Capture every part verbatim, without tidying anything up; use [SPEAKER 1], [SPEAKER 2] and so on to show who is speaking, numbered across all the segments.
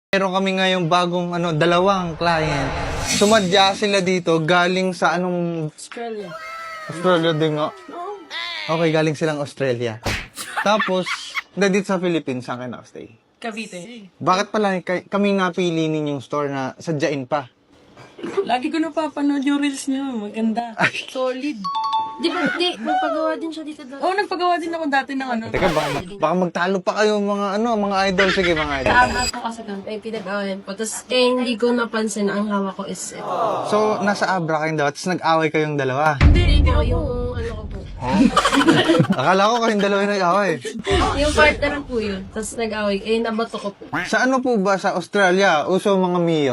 [SPEAKER 1] Meron kami ngayong bagong ano, dalawang client. Sumadya sila dito galing sa anong...
[SPEAKER 2] Australia.
[SPEAKER 1] Australia din nga. Okay, galing silang Australia. Tapos, na dito sa Philippines, saan kayo nakastay?
[SPEAKER 2] Cavite.
[SPEAKER 1] Bakit pala kay- kami napili ninyong store na sadyain pa?
[SPEAKER 2] Lagi ko napapanood yung reels niyo. Maganda. Solid.
[SPEAKER 3] Di ba, di, magpagawa din siya dito dati.
[SPEAKER 2] Oo, oh, nagpagawa din ako dati ng ano.
[SPEAKER 1] Teka, baka, baka magtalo pa kayo mga ano, mga idol. Sige, mga idol.
[SPEAKER 3] Kaabot ko kasi doon, may pinag-awayan po. Tapos, eh, hindi ko napansin na ang hawak ko is ito.
[SPEAKER 1] So, nasa Abra kayong dalawa, tapos nag-away kayong dalawa.
[SPEAKER 3] Hindi, hindi ko yung, ano ko po.
[SPEAKER 1] Akala ko kayong dalawa yung nag-away.
[SPEAKER 3] Yung partner po yun. Tapos nag-away, eh, nabato ko po.
[SPEAKER 1] Sa ano po ba sa Australia, uso mga Mio?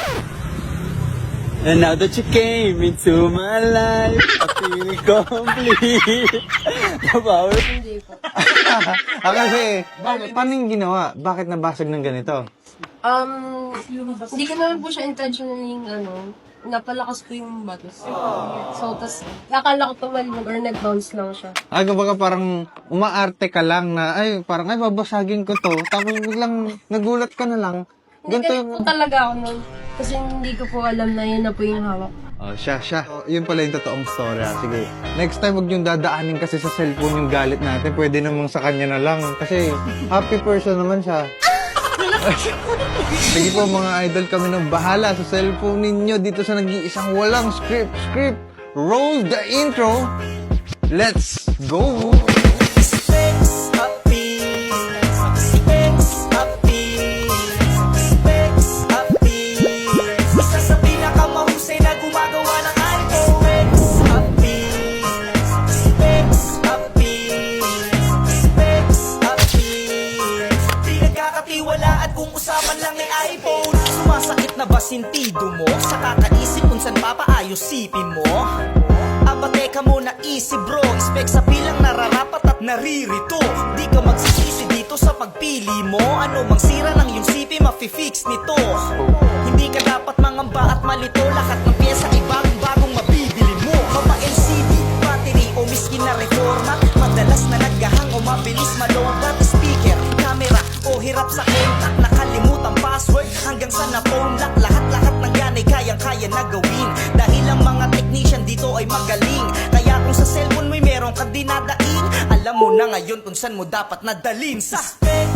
[SPEAKER 4] And now that you came into my life, I feel complete. The power.
[SPEAKER 3] Hindi po.
[SPEAKER 1] ah, kasi, bakit, paano yung ginawa? Bakit nabasag ng ganito?
[SPEAKER 3] Um, hindi ko naman po siya intentionally, ano, napalakas ko yung batos. So, tas, akala ko tumalbog or nag-bounce lang siya.
[SPEAKER 1] Ah, kumbaga parang umaarte ka lang na, ay, parang, ay, babasagin ko to. Tapos biglang nagulat ka na lang.
[SPEAKER 3] Hindi
[SPEAKER 1] Ganito
[SPEAKER 3] ganito
[SPEAKER 1] yung...
[SPEAKER 3] po talaga ako nun. Kasi hindi ko po alam na yun na po yung hawak.
[SPEAKER 1] Oh, siya, siya. Oh, yun pala yung totoong story. ah. Sige. Next time, huwag yung dadaanin kasi sa cellphone yung galit natin. Pwede namang sa kanya na lang. Kasi happy person naman siya. Sige po mga idol, kami nang bahala sa cellphone ninyo dito sa nag-iisang walang script. Script! Roll the intro! Let's go!
[SPEAKER 4] Specs upbeat. Specs upbeat. Specs upbeat. Isa sa pinakamahusay na gumagawa ng iPhone. Specs upbeat. Specs upbeat. Specs upbeat. Di nagkakatiwalaan kung usapan lang ay iPhone. Sumasakit na ba sintido mo? Sa kakaisip kung saan papaayos sipin mo? Aba teka muna easy bro, spec sa pilang nararapat at naririto. Di ka magsisisi dito sa pagpili mo. Ano mang sira ng iyong sipi, mafi-fix nito. Hindi ka dapat mangamba at malito. Lahat ng pyesa ay bagong-bagong mabibili mo. Mapa L C D, battery o miski na reforma. Madalas na naghahang o mabilis malobat. Speaker, camera o hirap sa contact. Nakalimutan password hanggang sa na-phone lock. Lahat-lahat ng yan ay kayang-kaya na gawin. Dahil ang mga technician dito ay magaling. Kaya kung sa cellphone mo'y meron ka dinadaing, alam mo na ngayon kung saan mo dapat nadalin. Sa specs